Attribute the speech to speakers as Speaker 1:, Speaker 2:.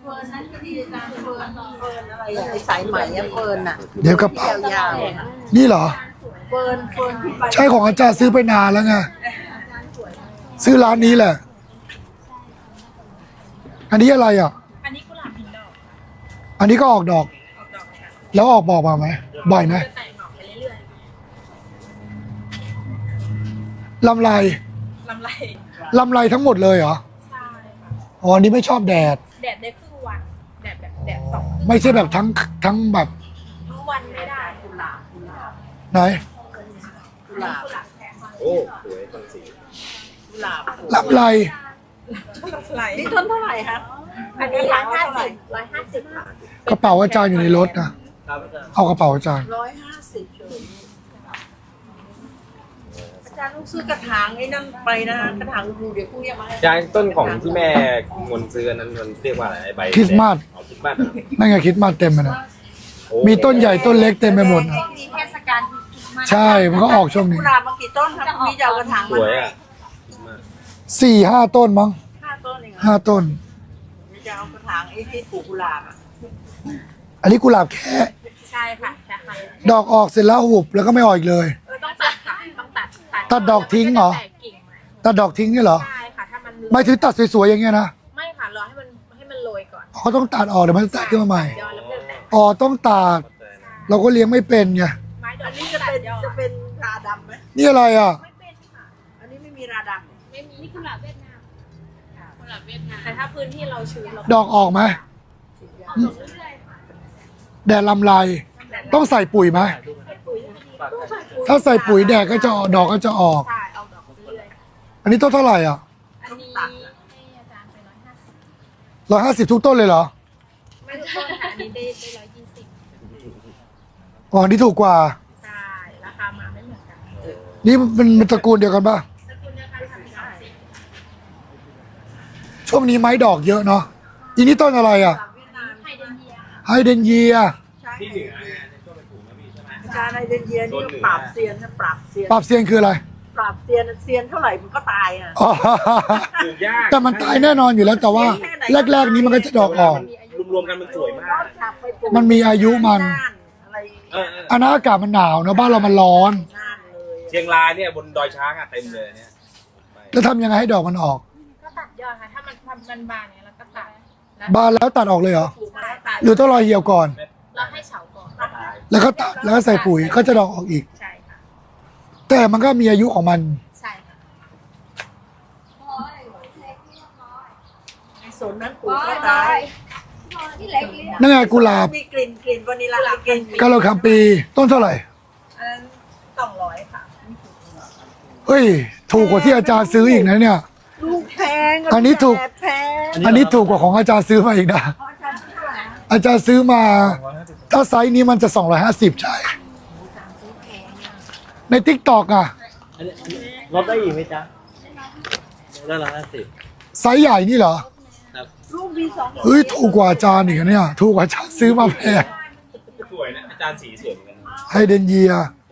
Speaker 1: เฟิร์นนั่นก็ดีอาจารย์เฟิร์นอะไรอะไอ้สายไหมอะเฟิร์นอะ
Speaker 2: เดี๋ยวกระเป๋าย
Speaker 1: าว
Speaker 2: นี่เหรอ
Speaker 1: ๆเฟิร์นที่ไป
Speaker 2: ใช่ของอาจารย์ซื้อไปนานแล้วไงซื้อร้านนี้แหละ อันนี้อะไรอ่ะ
Speaker 3: อันนี้กุหลาบหินดอก
Speaker 2: อันนี้ก็ออกดอก
Speaker 3: ออกดอกค่ะ
Speaker 2: แล้วออกบอกมาไหมบ่อยไหม
Speaker 3: จะแตกหน่อไปเรื่อย
Speaker 2: ลำไร
Speaker 3: ๆลำไร
Speaker 2: ลำไรทั้งหมดเลยเหรอ
Speaker 3: ใช่ค่ะ
Speaker 2: อ๋ออันนี้ไม่ชอบแดด
Speaker 3: แดดได้ครึ่งวันแดดแบบแดดสอง
Speaker 2: ไม่ใช่แบบทั้งแบบ
Speaker 3: ทั้งวันไม่ได้
Speaker 1: กุหลาบ
Speaker 2: ไหน
Speaker 1: กุหลาบ
Speaker 3: กุหลาบแข็ง
Speaker 4: โอ้สวยต้นสี
Speaker 1: กุหลาบ
Speaker 2: ลำไร
Speaker 3: ไหล
Speaker 1: นี่ต้นเท่าไหร่คะ
Speaker 3: อันนี้150ค่ะ
Speaker 2: กระเป๋าอาจารย์อยู่ในรถนะ
Speaker 4: ครับอาจารย์
Speaker 2: เอากระเป๋าอาจารย์
Speaker 1: 150อาจารย์ต้องซื้อกระถางไอ้นั่นไปนะกระถางดูเดี๋ยวพรุ่งนี้มาให้
Speaker 4: อาจารย์ต้นของที่แม่มนซื้อนั้นมันเรียกว่าอะไรไอ้ใบ
Speaker 2: คริสต์มาส
Speaker 4: อ๋อคริสต์มาสเหรอ
Speaker 2: นั่นไงคริดมาสเต็มเลยนะ
Speaker 4: โอ้
Speaker 2: มีต้นใหญ่ต้นเล็กเต็มไปหมดนะ
Speaker 3: มีเทศกาลมา
Speaker 2: ใช่มันก็ออกช่วงนี้
Speaker 1: กุหลาบมากี่ต้นครับพรุ่งนี้จะเอากระถาง
Speaker 4: ส
Speaker 1: มา
Speaker 4: วย
Speaker 1: ให้
Speaker 4: อ่ะคริสต์มาส
Speaker 2: 4-5 ต้นมั้ง
Speaker 1: 5 ต้นเองเหรอ
Speaker 2: 5 ต้น
Speaker 1: จะเอากระถางไอ้ที่ปลูกกุหลาบอะ
Speaker 2: อันนี้กุหลาบแค่
Speaker 3: ใช่ค่ะใช่ค่ะ
Speaker 2: ดอกออกเสร็จแล้วหุบแล้วก็ไม่ออกอีกเลย
Speaker 3: ต้องตัดค่ะต้องตัด
Speaker 2: ตัดดอกทิ้งเหรอ
Speaker 3: แตกกิ่งมา
Speaker 2: ตัดดอกทิ้งเนี่ยเหรอ
Speaker 3: ใช่ค่ะถ้ามัน
Speaker 2: ไม่ถึงตัดสวยๆอย่างเงี้ยนะ
Speaker 3: ไม่ค่ะรอให้มันโรยก่อน
Speaker 2: เขาต้องตัดออกเดี๋ยวมันจะแตกขึ้นมาใหม่
Speaker 3: ยอดแล้วมันจะแตก
Speaker 2: อ๋อต้องตัดเราก็เลี้ยงไม่เป็นไง
Speaker 3: ไม้ดอก
Speaker 1: อันนี้จะเป็นราดำไหม
Speaker 2: นี่อะไรอ่ะ
Speaker 3: ไม่เป็นค่ะ
Speaker 1: อันนี้ไม่มีราดำ
Speaker 3: ไม่มีนี่กุหลาบเวียดนามกุหลาบเวียดนามแต่ถ้าพื้นที่เราชื้นเรา
Speaker 2: ดอกออกไหม
Speaker 3: ออกเรื่อยๆค่ะ
Speaker 2: แดดลำไรต้องใส่ปุ๋ยไหมถ้าใส่ปุ๋ยแดดก็จะออกดอกก็จะออก
Speaker 3: ใช่เอาดอกเรื่อย
Speaker 2: อันนี้ต้นเท่าไหร่อ่ะ
Speaker 3: ๆอันนี้ให้อาจารย์ไป150
Speaker 2: 150ทุกต้นเลยเหรอ
Speaker 3: ไม่ทุกต้นค่ะอันนี้ได้120
Speaker 2: อ๋ออันนี้ถูกกว่า
Speaker 3: ใช่ราคามาไม่เหมือนกัน
Speaker 2: นี่มันตระกูลเดียวกันป่ะ
Speaker 3: สกุลเดียวกันค่ะ30
Speaker 2: ช่วงนี้ไม้ดอกเยอะเนาะอีนี่ต้นอะไรอ่ะ
Speaker 1: เวียดนาม
Speaker 3: ไฮเดรนเยีย
Speaker 2: ไฮเดนเยีย
Speaker 1: ใช่
Speaker 4: ที่เหนือเนี่ยในต้นเป็นถุงนะพี่ใช่ไหม
Speaker 1: อาจารย์ในเดนเยียนี่ก็ปราบเซียนนะปราบเซียน
Speaker 2: ปรับเซียนคืออะไร
Speaker 1: ปราบเซียนเซียนเท่าไหร่มันก็ตายอ่ะ
Speaker 2: อ๋อ
Speaker 4: ปลูกยาก
Speaker 2: แต่มันตายแน่นอนอยู่แล้วแต่ว่าแรกๆนี้มันก็จะดอกออก
Speaker 4: รวมๆกันมันสวยมาก
Speaker 2: มันมีอายุมัน
Speaker 1: อะไร
Speaker 2: อันนั้นอากาศมันหนาวนะบ้านเรามันร้อน
Speaker 1: น่านเลย
Speaker 4: เชียงรายเนี่ยบนดอยช้างอะเต็มเลยเนี่ย
Speaker 2: แล้วทำยังไงให้ดอกมันออก
Speaker 3: ก็ตัดยอดค่ะถ้ามันบานเนี่ยเราก็ตัดแล้ว
Speaker 2: บานแล้วตัดออกเลยเหรอ
Speaker 1: ปลูกมาแล้วตาย
Speaker 2: หรือต้องรอเหี่ยวก่อน
Speaker 3: เราให้เฉาก่อน
Speaker 2: แล้วก็ตัดแล้วก็ใส่ปุ๋ยก็จะดอกออกอีก
Speaker 3: ใช่ค่ะ
Speaker 2: แต่มันก็มีอายุของมัน
Speaker 3: ใช่ค่ะ
Speaker 1: ไอ้สนนั้นปลูกก็ตาย
Speaker 2: นั่นไงกุหลาบ
Speaker 1: มีกลิ่นวานิลลากลิ่น
Speaker 2: กาโลคัมปีต้นเท่าไหร่
Speaker 3: อันนั้น200ค่ะ
Speaker 2: เฮ้ย ถูกกว่าที่อาจารย์ซื้ออีกนะเนี่ย
Speaker 1: ลูกแพง
Speaker 2: อันนี้ถูก
Speaker 1: แพง
Speaker 2: อันนี้ถูกกว่าของอาจารย์ซื้อมาอีกนะ อาจารย์ซื้อมา ถ้าไซส์นี้มันจะ250ใช่ ในทิกตอกอ่ะ
Speaker 5: ลดได้อีกไหมจ๊ะได้150
Speaker 2: ไซส์ใหญ่นี่เหรอ
Speaker 1: ลูกมี2
Speaker 2: เฮ้ย ถูกกว่าอาจารย์อีกนะเนี่ย ถูกกว่าอาจารย์ซื้อมาแพง
Speaker 4: สวยนะอาจารย์สีสวยเหมือนกัน
Speaker 2: ไฮเดนเยีย